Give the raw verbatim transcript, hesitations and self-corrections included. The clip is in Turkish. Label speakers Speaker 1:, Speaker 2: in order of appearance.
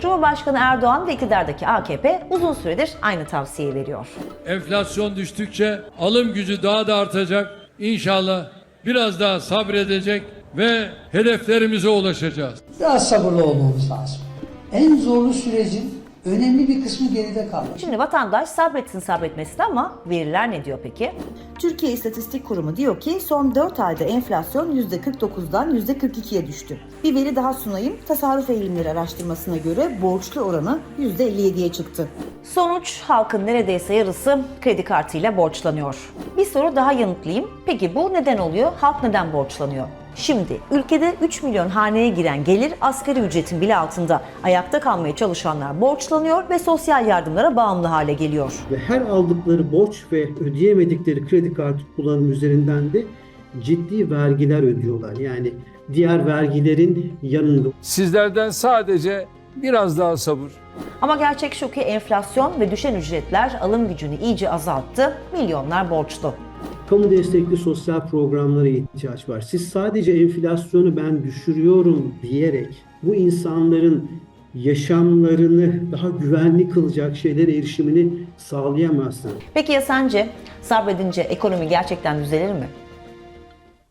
Speaker 1: Cumhurbaşkanı Erdoğan ve iktidardaki A K P uzun süredir aynı tavsiyeyi veriyor.
Speaker 2: Enflasyon düştükçe alım gücü daha da artacak. İnşallah biraz daha sabredecek ve hedeflerimize ulaşacağız.
Speaker 3: Biraz sabırlı olmamız lazım. En zorlu sürecin önemli bir kısmı geride kaldı.
Speaker 1: Şimdi vatandaş sabretsin sabretmesin ama veriler ne diyor peki? Türkiye İstatistik Kurumu diyor ki son dört ayda enflasyon yüzde kırk dokuzdan yüzde kırk ikiye düştü. Bir veri daha sunayım. Tasarruf Eğilimleri Araştırması'na göre borçlu oranı yüzde elli yediye çıktı. Sonuç, halkın neredeyse yarısı kredi kartıyla borçlanıyor. Bir soru daha yanıtlayayım. Peki bu neden oluyor? Halk neden borçlanıyor? Şimdi ülkede üç milyon haneye giren gelir asgari ücretin bile altında. Ayakta kalmaya çalışanlar borçlanıyor ve sosyal yardımlara bağımlı hale geliyor.
Speaker 4: Ve her aldıkları borç ve ödeyemedikleri kredi kartı kullanım üzerinden de ciddi vergiler ödüyorlar. Yani diğer vergilerin yanında.
Speaker 2: Sizlerden sadece biraz daha sabır.
Speaker 1: Ama gerçek şu ki enflasyon ve düşen ücretler alım gücünü iyice azalttı. Milyonlar borçlu.
Speaker 4: Kamu destekli sosyal programlara ihtiyaç var. Siz sadece enflasyonu ben düşürüyorum diyerek bu insanların yaşamlarını daha güvenli kılacak şeylere erişimini sağlayamazsınız.
Speaker 1: Peki ya sence sabredince ekonomi gerçekten düzelir mi?